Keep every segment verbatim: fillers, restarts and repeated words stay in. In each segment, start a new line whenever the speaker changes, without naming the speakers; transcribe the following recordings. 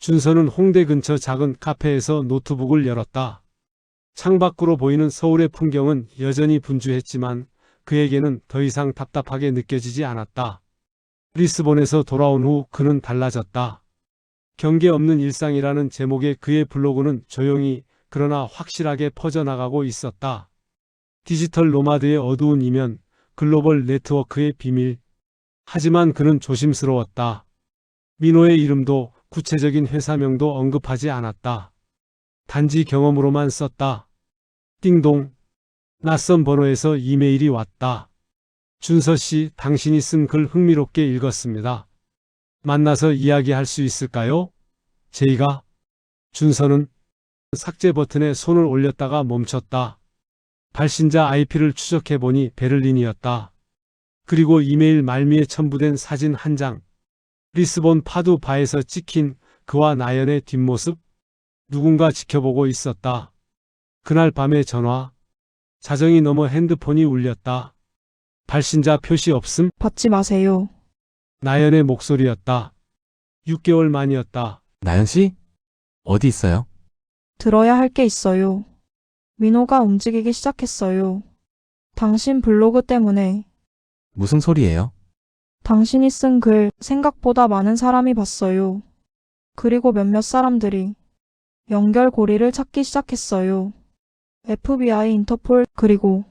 준서는 홍대 근처 작은 카페에서 노트북을 열었다. 창밖으로 보이는 서울의 풍경은 여전히 분주했지만 그에게는 더 이상 답답하게 느껴지지 않았다. 리스본에서 돌아온 후 그는 달라졌다. 경계 없는 일상이라는 제목의 그의 블로그는 조용히 그러나 확실하게 퍼져나가고 있었다. 디지털 노마드의 어두운 이면, 글로벌 네트워크의 비밀. 하지만 그는 조심스러웠다. 민호의 이름도 구체적인 회사명도 언급하지 않았다. 단지 경험으로만 썼다. 띵동. 낯선 번호에서 이메일이 왔다. 준서 씨, 당신이 쓴 글 흥미롭게 읽었습니다. 만나서 이야기할 수 있을까요? 제이가. 준서는 삭제 버튼에 손을 올렸다가 멈췄다. 발신자 아이피를 추적해보니 베를린이었다. 그리고 이메일 말미에 첨부된 사진 한 장. 리스본 파두 바에서 찍힌 그와 나연의 뒷모습. 누군가 지켜보고 있었다. 그날 밤의 전화. 자정이 넘어 핸드폰이 울렸다. 발신자 표시 없음?
받지 마세요.
나연의 목소리였다. 육 개월 만이었다.
나연 씨? 어디 있어요?
들어야 할 게 있어요. 민호가 움직이기 시작했어요. 당신 블로그 때문에.
무슨 소리예요?
당신이 쓴 글 생각보다 많은 사람이 봤어요. 그리고 몇몇 사람들이 연결고리를 찾기 시작했어요. 에프비아이, 인터폴, 그리고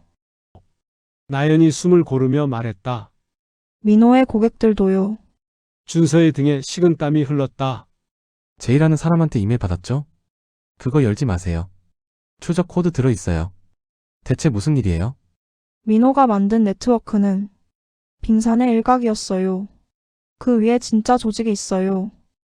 나연이 숨을 고르며 말했다.
민호의 고객들도요.
준서의 등에 식은땀이 흘렀다.
제이라는 사람한테 이메일 받았죠? 그거 열지 마세요. 추적 코드 들어있어요. 대체 무슨 일이에요?
민호가 만든 네트워크는 빙산의 일각이었어요. 그 위에 진짜 조직이 있어요.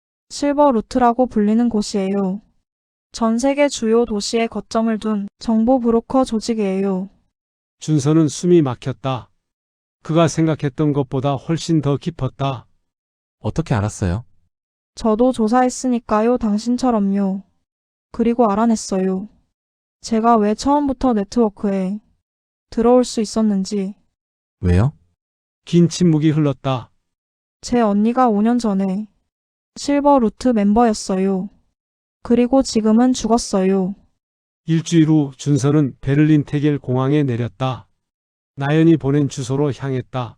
실버 루트라고 불리는 곳이에요. 전 세계 주요 도시에 거점을 둔 정보 브로커 조직이에요.
준서는 숨이 막혔다. 그가 생각했던 것보다 훨씬 더 깊었다.
어떻게 알았어요?
저도 조사했으니까요, 당신처럼요. 그리고 알아냈어요. 제가 왜 처음부터 네트워크에 들어올 수 있었는지.
왜요?
긴 침묵이 흘렀다.
제 언니가 오 년 전에 실버 루트 멤버였어요. 그리고 지금은 죽었어요.
일주일 후 준서는 베를린 테겔 공항에 내렸다. 나연이 보낸 주소로 향했다.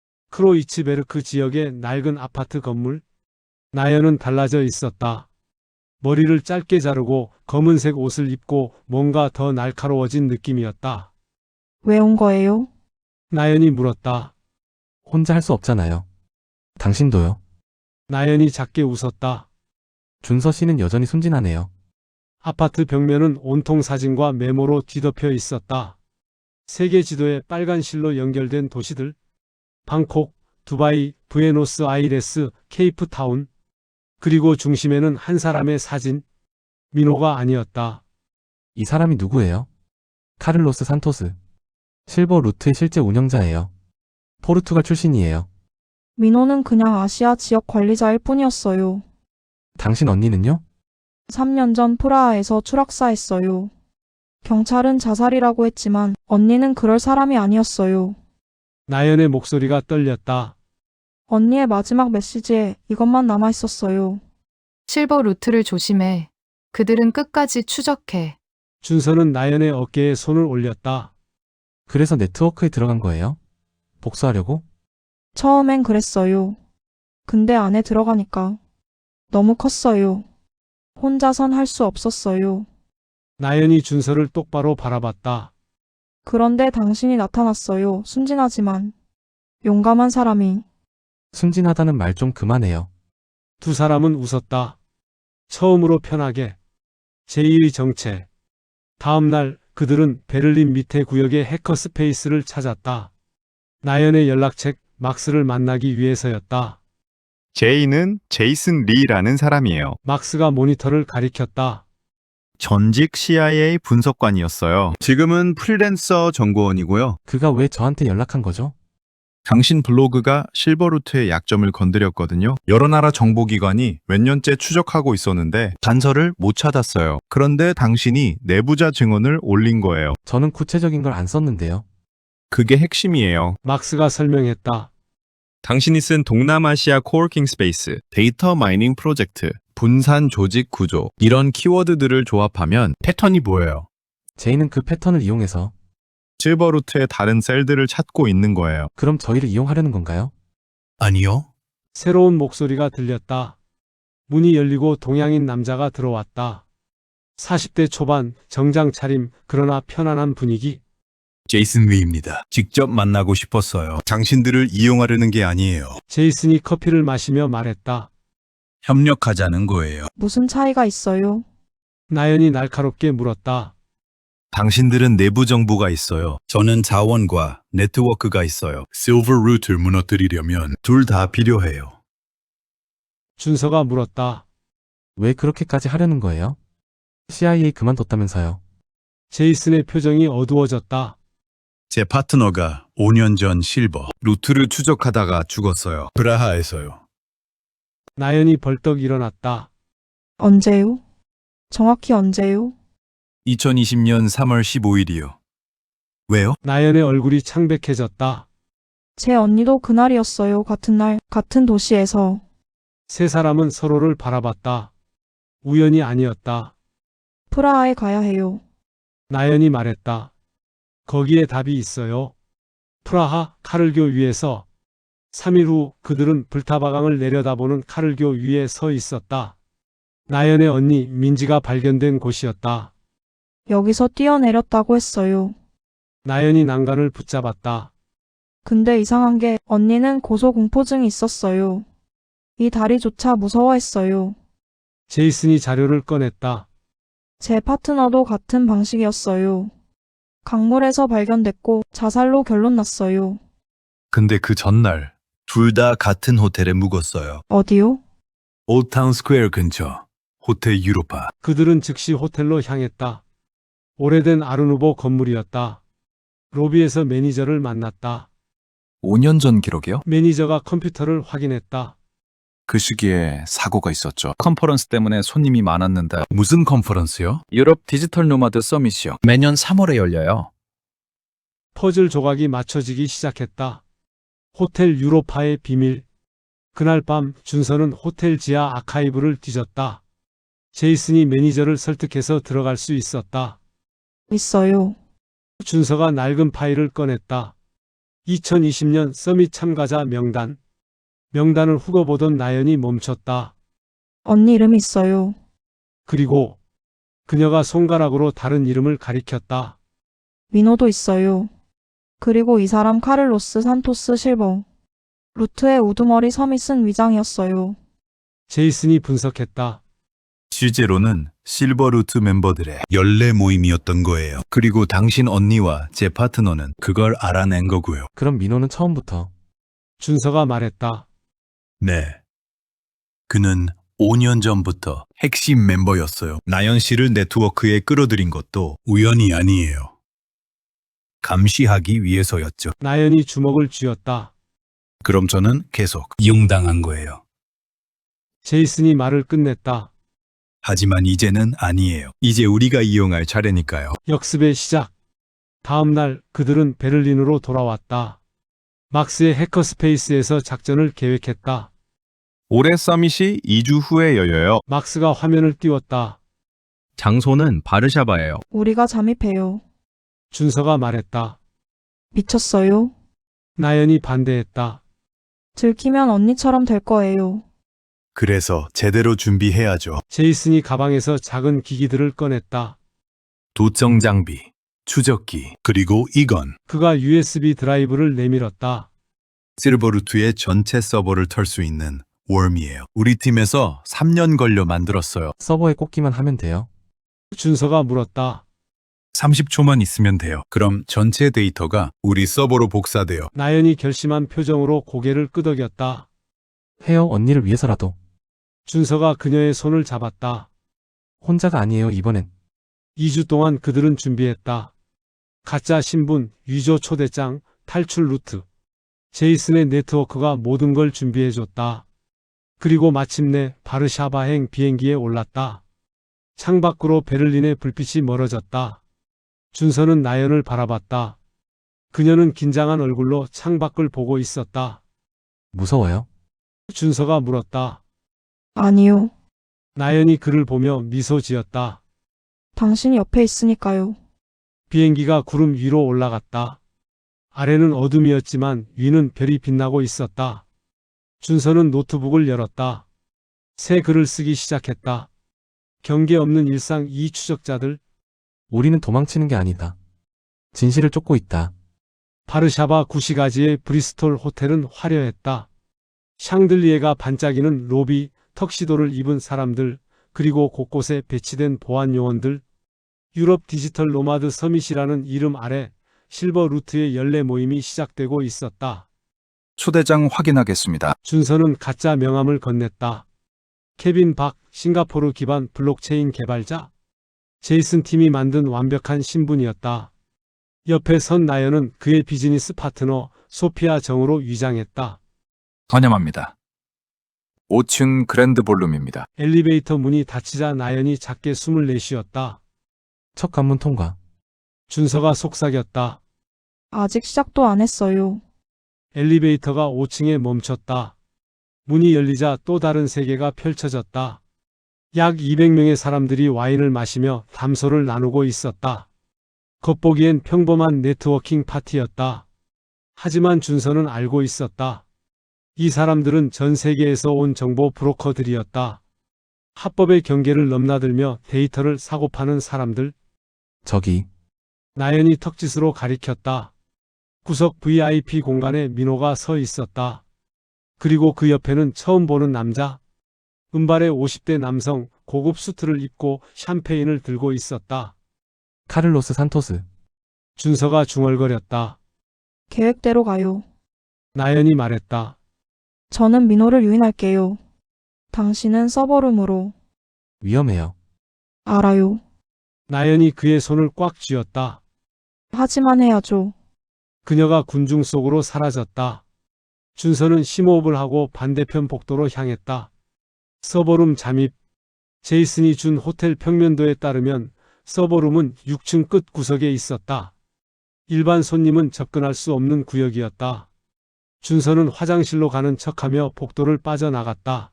크로이츠베르크 지역의 낡은 아파트 건물. 나연은 달라져 있었다. 머리를 짧게 자르고 검은색 옷을 입고 뭔가 더 날카로워진 느낌이었다.
왜 온 거예요?
나연이 물었다.
혼자 할 수 없잖아요. 당신도요.
나연이 작게 웃었다.
준서 씨는 여전히 순진하네요.
아파트 벽면은 온통 사진과 메모로 뒤덮여 있었다. 세계 지도에 빨간 실로 연결된 도시들. 방콕, 두바이, 부에노스아이레스, 케이프타운. 그리고 중심에는 한 사람의 사진. 민호가 아니었다.
이 사람이 누구예요? 카를로스 산토스. 실버 루트의 실제 운영자예요. 포르투갈 출신이에요.
민호는 그냥 아시아 지역 관리자일 뿐이었어요.
당신 언니는요?
삼 년 전 프라하에서 추락사했어요. 경찰은 자살이라고 했지만 언니는 그럴 사람이 아니었어요.
나연의 목소리가 떨렸다.
언니의 마지막 메시지에 이것만 남아있었어요.
실버 루트를 조심해. 그들은 끝까지 추적해.
준서는 나연의 어깨에 손을 올렸다.
그래서 네트워크에 들어간 거예요? 복수하려고?
처음엔 그랬어요. 근데 안에 들어가니까 너무 컸어요. 혼자선 할 수 없었어요.
나연이 준서를 똑바로 바라봤다.
그런데 당신이 나타났어요. 순진하지만 용감한 사람이.
순진하다는 말 좀 그만해요.
두 사람은 웃었다. 처음으로 편하게. 제이의 정체. 다음 날 그들은 베를린 밑에 구역의 해커스페이스를 찾았다. 나연의 연락책 막스를 만나기 위해서였다.
제이는 제이슨 리라는 사람이에요.
막스가 모니터를 가리켰다.
전직 씨아이에이 분석관이었어요. 지금은 프리랜서 정보원이고요.
그가 왜 저한테 연락한 거죠?
당신 블로그가 실버루트의 약점을 건드렸거든요. 여러 나라 정보기관이 몇 년째 추적하고 있었는데 단서를 못 찾았어요. 그런데 당신이 내부자 증언을 올린 거예요.
저는 구체적인 걸 안 썼는데요.
그게 핵심이에요.
막스가 설명했다.
당신이 쓴 동남아시아 코워킹 스페이스, 데이터 마이닝 프로젝트, 분산 조직 구조 이런 키워드들을 조합하면 패턴이 보여요.
제이는 그 패턴을 이용해서
실버 루트의 다른 셀들을 찾고 있는 거예요.
그럼 저희를 이용하려는 건가요?
아니요.
새로운 목소리가 들렸다. 문이 열리고 동양인 남자가 들어왔다. 사십 대 초반, 정장 차림, 그러나 편안한 분위기.
제이슨 위입니다. 직접 만나고 싶었어요. 당신들을 이용하려는 게 아니에요.
제이슨이 커피를 마시며 말했다.
협력하자는 거예요.
무슨 차이가 있어요?
나연이 날카롭게 물었다.
당신들은 내부 정보가 있어요. 저는 자원과 네트워크가 있어요. 실버 루트를 무너뜨리려면 둘 다 필요해요.
준서가 물었다.
왜 그렇게까지 하려는 거예요? 씨아이에이 그만뒀다면서요.
제이슨의 표정이 어두워졌다.
제 파트너가 오 년 전 실버 루트를 추적하다가 죽었어요. 브라하에서요.
나연이 벌떡 일어났다.
언제요? 정확히 언제요?
이천이십 년 삼월 십오일이요. 왜요?
나연의 얼굴이 창백해졌다.
제 언니도 그날이었어요. 같은 날, 같은 도시에서.
세 사람은 서로를 바라봤다. 우연이 아니었다.
프라하에 가야 해요.
나연이 말했다. 거기에 답이 있어요. 프라하 카를교 위에서 삼 일 후 그들은 불타바강을 내려다보는 카를교 위에 서 있었다. 나연의 언니 민지가 발견된 곳이었다.
여기서 뛰어내렸다고 했어요.
나연이 난간을 붙잡았다.
근데 이상한 게 언니는 고소공포증이 있었어요. 이 다리조차 무서워했어요.
제이슨이 자료를 꺼냈다.
제 파트너도 같은 방식이었어요. 강물에서 발견됐고 자살로 결론 났어요.
근데 그 전날 둘 다 같은 호텔에 묵었어요.
어디요?
올타운 스퀘어 근처 호텔 유로파.
그들은 즉시 호텔로 향했다. 오래된 아르누보 건물이었다. 로비에서 매니저를 만났다.
오 년 전 기록이요?
매니저가 컴퓨터를 확인했다.
그 시기에 사고가 있었죠. 컨퍼런스 때문에 손님이 많았는데
무슨 컨퍼런스요?
유럽 디지털 노마드 서밋이요. 매년 삼월에 열려요.
퍼즐 조각이 맞춰지기 시작했다. 호텔 유로파의 비밀. 그날 밤 준서는 호텔 지하 아카이브를 뒤졌다. 제이슨이 매니저를 설득해서 들어갈 수 있었다.
있어요.
준서가 낡은 파일을 꺼냈다. 이천이십 년 서밋 참가자 명단. 명단을 후거보던 나연이 멈췄다.
언니 이름이 있어요.
그리고 그녀가 손가락으로 다른 이름을 가리켰다.
위노도 있어요. 그리고 이 사람 카를로스 산토스 실버. 루트의 우두머리 서밋은 위장이었어요.
제이슨이 분석했다.
실제로는 실버 루트 멤버들의 연례 모임이었던 거예요. 그리고 당신 언니와 제 파트너는 그걸 알아낸 거고요.
그럼 민호는 처음부터
준서가 말했다.
네. 그는 오 년 전부터 핵심 멤버였어요. 나연 씨를 네트워크에 끌어들인 것도 우연이 아니에요. 감시하기 위해서였죠.
나연이 주먹을 쥐었다.
그럼 저는 계속 이용당한 거예요.
제이슨이 말을 끝냈다.
하지만 이제는 아니에요. 이제 우리가 이용할 차례니까요.
역습의 시작. 다음 날 그들은 베를린으로 돌아왔다. 막스의 해커스페이스에서 작전을 계획했다.
올해 서밋이 이 주 후에 열려요.
막스가 화면을 띄웠다.
장소는 바르샤바예요.
우리가 잠입해요.
준서가 말했다.
미쳤어요?
나연이 반대했다.
들키면 언니처럼 될 거예요.
그래서 제대로 준비해야죠.
제이슨이 가방에서 작은 기기들을 꺼냈다.
도청 장비, 추적기, 그리고 이건
그가 유에스비 드라이브를 내밀었다.
실버루트의 전체 서버를 털 수 있는 웜이에요. 우리 팀에서 삼 년 걸려 만들었어요.
서버에 꽂기만 하면 돼요.
준서가 물었다.
삼십 초만 있으면 돼요. 그럼 전체 데이터가 우리 서버로 복사돼요.
나연이 결심한 표정으로 고개를 끄덕였다.
해요, 언니를 위해서라도.
준서가 그녀의 손을 잡았다.
혼자가 아니에요, 이번엔.
이 주 동안 그들은 준비했다. 가짜 신분, 위조 초대장, 탈출 루트. 제이슨의 네트워크가 모든 걸 준비해줬다. 그리고 마침내 바르샤바행 비행기에 올랐다. 창밖으로 베를린의 불빛이 멀어졌다. 준서는 나연을 바라봤다. 그녀는 긴장한 얼굴로 창밖을 보고 있었다.
무서워요?
준서가 물었다.
아니요.
나연이 그를 보며 미소 지었다.
당신이 옆에 있으니까요.
비행기가 구름 위로 올라갔다. 아래는 어둠이었지만 위는 별이 빛나고 있었다. 준서는 노트북을 열었다. 새 글을 쓰기 시작했다. 경계 없는 일상 이 추적자들.
우리는 도망치는 게 아니다. 진실을 쫓고 있다.
바르샤바 구시가지의 브리스톨 호텔은 화려했다. 샹들리에가 반짝이는 로비, 턱시도를 입은 사람들, 그리고 곳곳에 배치된 보안 요원들. 유럽 디지털 노마드 서밋이라는 이름 아래 실버 루트의 연례 모임이 시작되고 있었다.
초대장 확인하겠습니다.
준서는 가짜 명함을 건넸다. 케빈 박, 싱가포르 기반 블록체인 개발자. 제이슨 팀이 만든 완벽한 신분이었다. 옆에 선 나연은 그의 비즈니스 파트너 소피아 정으로 위장했다.
환영합니다. 오 층 그랜드 볼룸입니다.
엘리베이터 문이 닫히자 나연이 작게 숨을 내쉬었다.
첫 관문 통과.
준서가 속삭였다.
아직 시작도 안 했어요.
엘리베이터가 오 층에 멈췄다. 문이 열리자 또 다른 세계가 펼쳐졌다. 약 이백 명의 사람들이 와인을 마시며 담소를 나누고 있었다. 겉보기엔 평범한 네트워킹 파티였다. 하지만 준서는 알고 있었다. 이 사람들은 전 세계에서 온 정보 브로커들이었다. 합법의 경계를 넘나들며 데이터를 사고 파는 사람들.
저기,
나연이 턱짓으로 가리켰다. 구석 브이아이피 공간에 민호가 서 있었다. 그리고 그 옆에는 처음 보는 남자. 은발의 오십 대 남성, 고급 수트를 입고 샴페인을 들고 있었다.
카를로스 산토스.
준서가 중얼거렸다.
계획대로 가요.
나연이 말했다.
저는 민호를 유인할게요. 당신은 서버룸으로.
위험해요.
알아요.
나연이 그의 손을 꽉 쥐었다.
하지만 해야죠.
그녀가 군중 속으로 사라졌다. 준서는 심호흡을 하고 반대편 복도로 향했다. 서버룸 잠입. 제이슨이 준 호텔 평면도에 따르면 서버룸은 육 층 끝 구석에 있었다. 일반 손님은 접근할 수 없는 구역이었다. 준서는 화장실로 가는 척하며 복도를 빠져나갔다.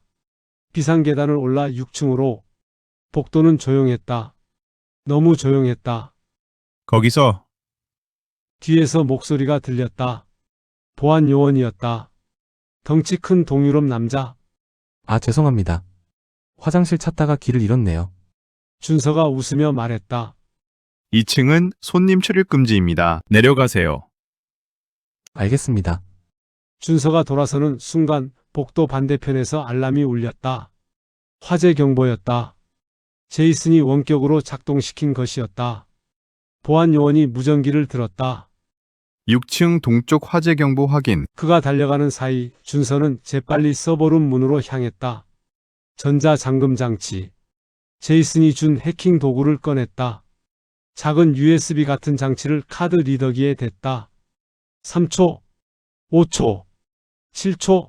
비상계단을 올라 육 층으로. 복도는 조용했다. 너무 조용했다.
거기서
뒤에서 목소리가 들렸다. 보안 요원이었다. 덩치 큰 동유럽 남자.
아, 죄송합니다. 화장실 찾다가 길을 잃었네요.
준서가 웃으며 말했다.
이 층은 손님 출입 금지입니다. 내려가세요.
알겠습니다.
준서가 돌아서는 순간 복도 반대편에서 알람이 울렸다. 화재 경보였다. 제이슨이 원격으로 작동시킨 것이었다. 보안 요원이 무전기를 들었다.
육 층 동쪽 화재 경보 확인.
그가 달려가는 사이 준서는 재빨리 서버룸 문으로 향했다. 전자잠금 장치. 제이슨이 준 해킹 도구를 꺼냈다. 작은 유에스비 같은 장치를 카드 리더기에 댔다. 삼 초, 오 초, 칠 초,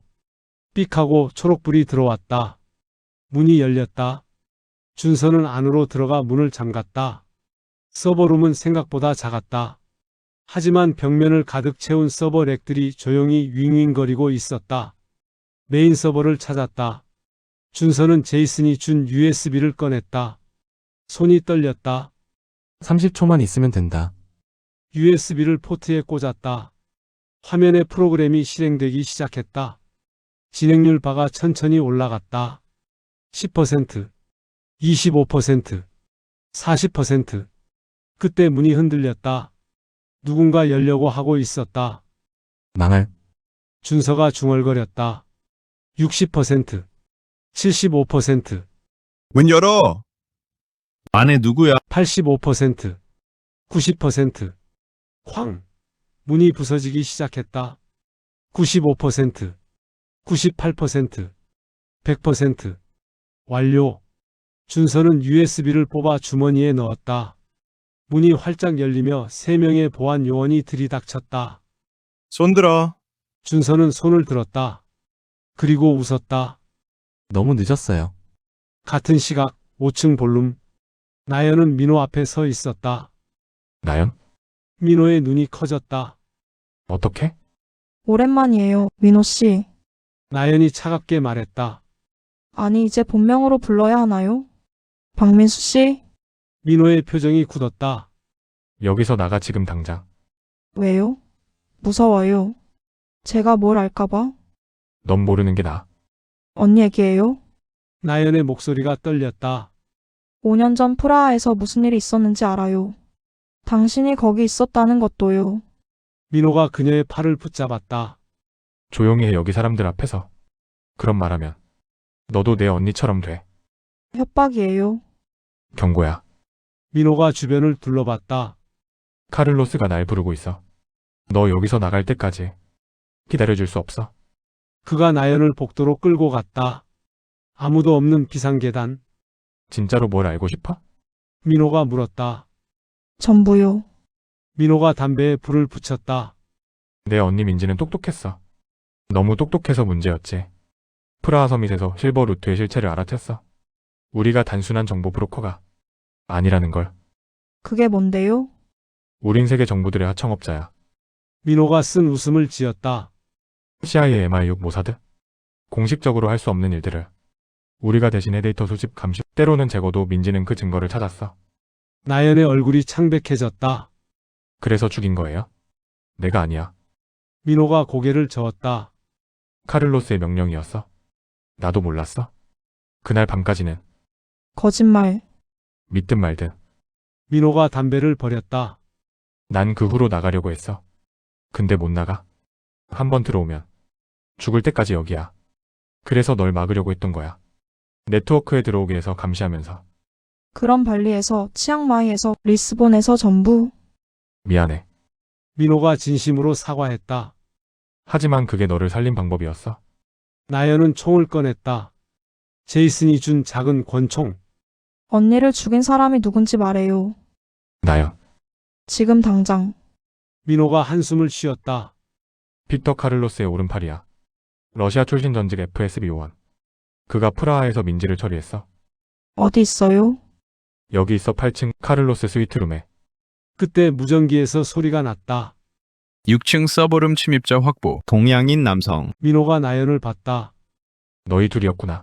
삑하고 초록불이 들어왔다. 문이 열렸다. 준서는 안으로 들어가 문을 잠갔다. 서버룸은 생각보다 작았다. 하지만 벽면을 가득 채운 서버 렉들이 조용히 윙윙거리고 있었다. 메인 서버를 찾았다. 준서는 제이슨이 준 유에스비를 꺼냈다. 손이 떨렸다.
삼십 초만 있으면 된다.
유에스비를 포트에 꽂았다. 화면에 프로그램이 실행되기 시작했다. 진행률 바가 천천히 올라갔다. 십 퍼센트, 이십오 퍼센트, 사십 퍼센트. 그때 문이 흔들렸다. 누군가 열려고 하고 있었다.
망할.
준서가 중얼거렸다. 육십 퍼센트, 칠십오 퍼센트,
문 열어. 안에 누구야?
팔십오 퍼센트, 구십 퍼센트. 쾅! 문이 부서지기 시작했다. 구십오 퍼센트, 구십팔 퍼센트, 백 퍼센트. 완료. 준서는 유에스비를 뽑아 주머니에 넣었다. 문이 활짝 열리며 세 명의 보안 요원이 들이닥쳤다.
손 들어.
준서는 손을 들었다. 그리고 웃었다.
너무 늦었어요.
같은 시각 오 층 볼룸. 나연은 민호 앞에 서 있었다.
나연?
민호의 눈이 커졌다.
어떻게?
오랜만이에요, 민호 씨.
나연이 차갑게 말했다.
아니, 이제 본명으로 불러야 하나요? 박민수 씨?
민호의 표정이 굳었다.
여기서 나가 지금 당장.
왜요? 무서워요. 제가 뭘 알까봐?
넌 모르는 게 나아.
언니 얘기예요?
나연의 목소리가 떨렸다.
오 년 전 프라하에서 무슨 일이 있었는지 알아요. 당신이 거기 있었다는 것도요.
민호가 그녀의 팔을 붙잡았다.
조용히 해 여기 사람들 앞에서. 그런 말하면 너도 내 언니처럼 돼.
협박이에요.
경고야.
민호가 주변을 둘러봤다.
카를로스가 날 부르고 있어. 너 여기서 나갈 때까지 기다려줄 수 없어.
그가 나연을 복도로 끌고 갔다. 아무도 없는 비상계단.
진짜로 뭘 알고 싶어?
민호가 물었다.
전부요.
민호가 담배에 불을 붙였다.
내 언니 민지는 똑똑했어. 너무 똑똑해서 문제였지. 프라하 서밋에서 실버 루트의 실체를 알아챘어. 우리가 단순한 정보 브로커가 아니라는 걸.
그게 뭔데요?
우린 세계 정부들의 하청업자야.
민호가 쓴 웃음을 지었다.
씨아이에이, 엠아이육, 모사드. 공식적으로 할 수 없는 일들을 우리가 대신해 데이터 수집, 감시, 때로는 제거도. 민지는 그 증거를 찾았어.
나연의 얼굴이 창백해졌다.
그래서 죽인 거예요? 내가 아니야.
민호가 고개를 저었다.
카를로스의 명령이었어. 나도 몰랐어. 그날 밤까지는
거짓말.
믿든 말든.
민호가 담배를 버렸다.
난 그 후로 나가려고 했어. 근데 못 나가. 한 번 들어오면 죽을 때까지 여기야. 그래서 널 막으려고 했던 거야. 네트워크에 들어오게 해서 감시하면서.
그런 발리에서, 치앙마이에서, 리스본에서 전부.
미안해.
민호가 진심으로 사과했다.
하지만 그게 너를 살린 방법이었어.
나연은 총을 꺼냈다. 제이슨이 준 작은 권총.
언니를 죽인 사람이 누군지 말해요.
나연.
지금 당장.
민호가 한숨을 쉬었다.
빅터 카를로스의 오른팔이야. 러시아 출신 전직 에프에스비 요원. 그가 프라하에서 민지를 처리했어.
어디 있어요?
여기 있어. 팔 층 카를로스 스위트룸에.
그때 무전기에서 소리가 났다.
육 층 서버룸 침입자 확보. 동양인 남성.
민호가 나연을 봤다.
너희 둘이었구나.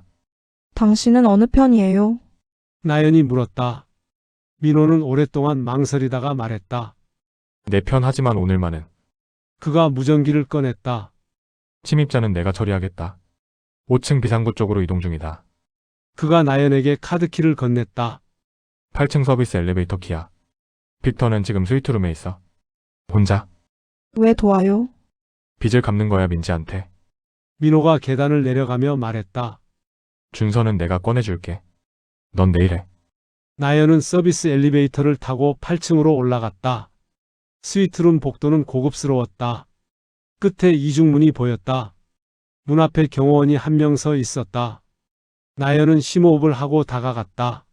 당신은 어느 편이에요?
나연이 물었다. 민호는 오랫동안 망설이다가 말했다.
내 편. 하지만 오늘만은.
그가 무전기를 꺼냈다.
침입자는 내가 처리하겠다. 오 층 비상구 쪽으로 이동 중이다.
그가 나연에게 카드키를 건넸다.
팔 층 서비스 엘리베이터 키야. 빅터는 지금 스위트룸에 있어. 혼자.
왜 도와요?
빚을 갚는 거야 민지한테.
민호가 계단을 내려가며 말했다.
준서는 내가 꺼내줄게. 넌 내일 해.
나연은 서비스 엘리베이터를 타고 팔 층으로 올라갔다. 스위트룸 복도는 고급스러웠다. 끝에 이중문이 보였다. 문 앞에 경호원이 한 명 서 있었다. 나연은 심호흡을 하고 다가갔다.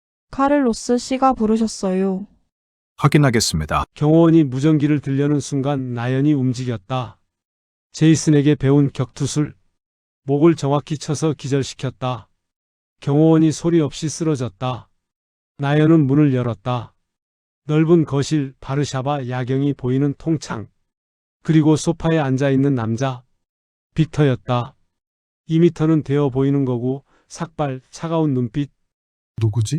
카를로스 씨가 부르셨어요.
확인하겠습니다.
경호원이 무전기를 들려는 순간 나연이 움직였다. 제이슨에게 배운 격투술. 목을 정확히 쳐서 기절시켰다. 경호원이 소리 없이 쓰러졌다. 나연은 문을 열었다. 넓은 거실, 바르샤바 야경이 보이는 통창. 그리고 소파에 앉아있는 남자. 빅터였다. 이 미터는 되어 보이는 거고 삭발, 차가운 눈빛.
누구지?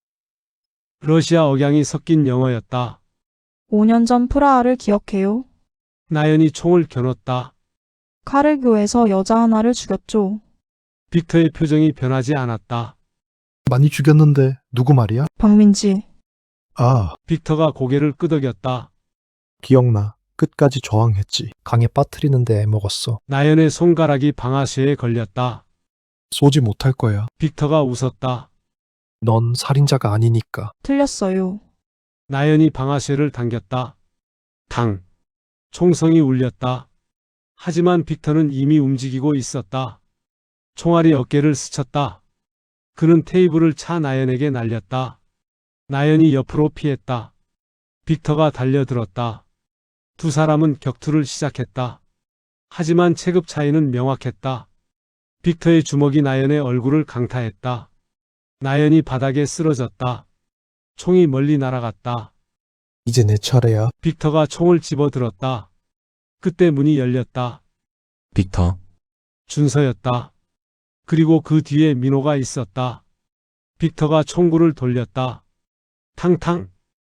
러시아 억양이 섞인 영어였다.
오 년 전 프라하를 기억해요?
나연이 총을 겨눴다.
카르교에서 여자 하나를 죽였죠.
빅터의 표정이 변하지 않았다.
많이 죽였는데 누구 말이야?
박민지.
아,
빅터가 고개를 끄덕였다.
기억나. 끝까지 저항했지. 강에 빠뜨리는데 애먹었어.
나연의 손가락이 방아쇠에 걸렸다.
쏘지 못할 거야.
빅터가 웃었다.
넌 살인자가 아니니까.
틀렸어요.
나연이 방아쇠를 당겼다. 당. 총성이 울렸다. 하지만 빅터는 이미 움직이고 있었다. 총알이 어깨를 스쳤다. 그는 테이블을 차 나연에게 날렸다. 나연이 옆으로 피했다. 빅터가 달려들었다. 두 사람은 격투를 시작했다. 하지만 체급 차이는 명확했다. 빅터의 주먹이 나연의 얼굴을 강타했다. 나연이 바닥에 쓰러졌다. 총이 멀리 날아갔다.
이제 내 차례야.
빅터가 총을 집어들었다. 그때 문이 열렸다.
빅터.
준서였다. 그리고 그 뒤에 민호가 있었다. 빅터가 총구를 돌렸다. 탕탕.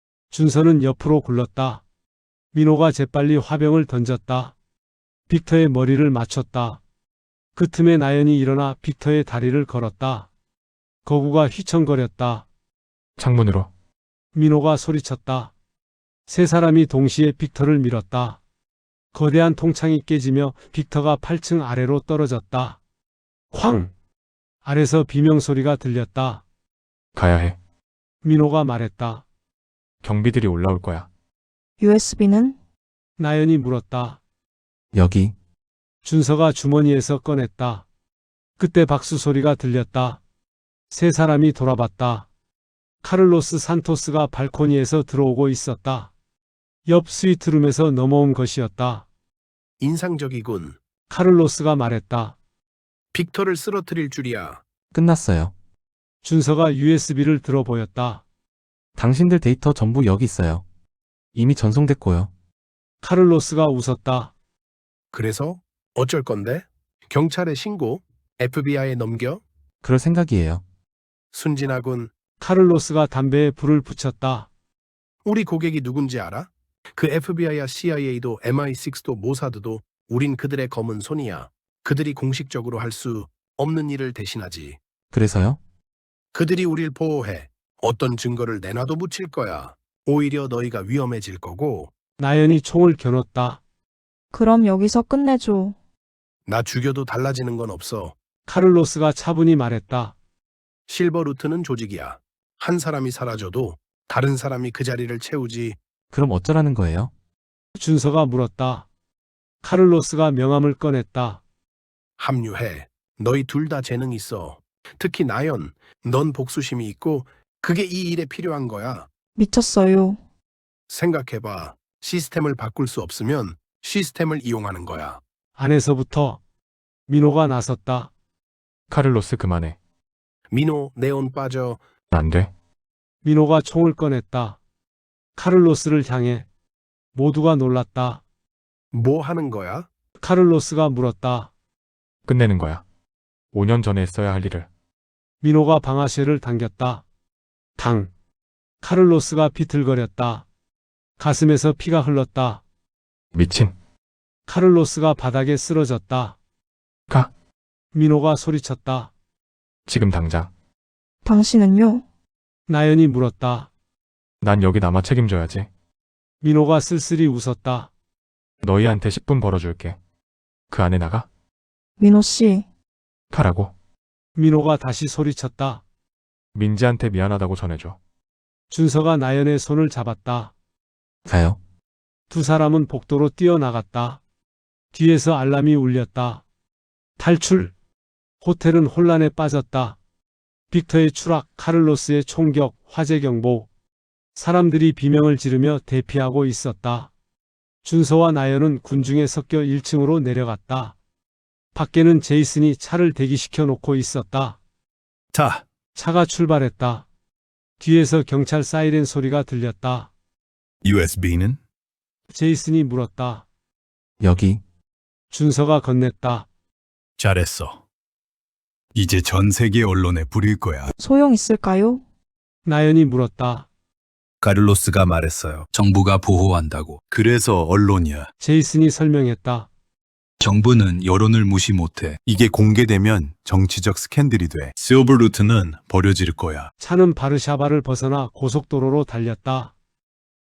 준서는 옆으로 굴렀다. 민호가 재빨리 화병을 던졌다. 빅터의 머리를 맞췄다. 그 틈에 나연이 일어나 빅터의 다리를 걸었다. 거구가 휘청거렸다.
창문으로.
민호가 소리쳤다. 세 사람이 동시에 빅터를 밀었다. 거대한 통창이 깨지며 빅터가 팔 층 아래로 떨어졌다. 쾅! 아래서 비명소리가 들렸다.
가야 해.
민호가 말했다.
경비들이 올라올 거야.
유에스비는?
나연이 물었다.
여기.
준서가 주머니에서 꺼냈다. 그때 박수 소리가 들렸다. 세 사람이 돌아봤다. 카를로스 산토스가 발코니에서 들어오고 있었다. 옆 스위트룸에서 넘어온 것이었다.
인상적이군.
카를로스가 말했다.
빅터를 쓰러뜨릴 줄이야.
끝났어요.
준서가 유에스비를 들어 보였다.
당신들 데이터 전부 여기 있어요. 이미 전송됐고요.
카를로스가 웃었다.
그래서 어쩔 건데? 경찰에 신고? 에프비아이에 넘겨?
그럴 생각이에요.
순진하군.
카를로스가 담배에 불을 붙였다.
우리 고객이 누군지 알아? 그 에프비아이와 씨아이에이도 엠아이 식스도 모사드도 우린 그들의 검은 손이야. 그들이 공식적으로 할 수 없는 일을 대신하지.
그래서요?
그들이 우릴 보호해. 어떤 증거를 내놔도 묻힐 거야. 오히려 너희가 위험해질 거고.
나연이 총을 겨눴다.
그럼 여기서 끝내줘.
나 죽여도 달라지는 건 없어.
카를로스가 차분히 말했다.
실버 루트는 조직이야. 한 사람이 사라져도 다른 사람이 그 자리를 채우지.
그럼 어쩌라는 거예요?
준서가 물었다. 카를로스가 명함을 꺼냈다.
합류해. 너희 둘 다 재능 있어. 특히 나연, 넌 복수심이 있고 그게 이 일에 필요한 거야.
미쳤어요.
생각해봐. 시스템을 바꿀 수 없으면 시스템을 이용하는 거야.
안에서부터 민호가 나섰다.
카를로스 그만해.
민호, 네온 빠져.
안 돼.
민호가 총을 꺼냈다. 카를로스를 향해. 모두가 놀랐다.
뭐 하는 거야?
카를로스가 물었다.
끝내는 거야. 오 년 전에 했어야 할 일을.
민호가 방아쇠를 당겼다. 당. 카를로스가 비틀거렸다. 가슴에서 피가 흘렀다.
미친.
카를로스가 바닥에 쓰러졌다.
가.
민호가 소리쳤다.
지금 당장.
당신은요?
나연이 물었다.
난 여기 남아 책임져야지.
민호가 쓸쓸히 웃었다.
너희한테 십 분 벌어줄게. 그 안에 나가?
민호 씨,
가라고.
민호가 다시 소리쳤다.
민지한테 미안하다고 전해줘.
준서가 나연의 손을 잡았다.
가요.
두 사람은 복도로 뛰어나갔다. 뒤에서 알람이 울렸다. 탈출! 호텔은 혼란에 빠졌다. 빅터의 추락, 카를로스의 총격, 화재 경보. 사람들이 비명을 지르며 대피하고 있었다. 준서와 나연은 군중에 섞여 일 층으로 내려갔다. 밖에는 제이슨이 차를 대기시켜 놓고 있었다.
자,
차가 출발했다. 뒤에서 경찰 사이렌 소리가 들렸다.
유에스비는?
제이슨이 물었다.
여기.
준서가 건넸다.
잘했어. 이제 전 세계 언론에 부릴 거야.
소용 있을까요?
나연이 물었다.
카를로스가 말했어요. 정부가 보호한다고. 그래서 언론이야.
제이슨이 설명했다.
정부는 여론을 무시 못해. 이게 공개되면 정치적 스캔들이 돼. 실버 루트는 버려질 거야.
차는 바르샤바를 벗어나 고속도로로 달렸다.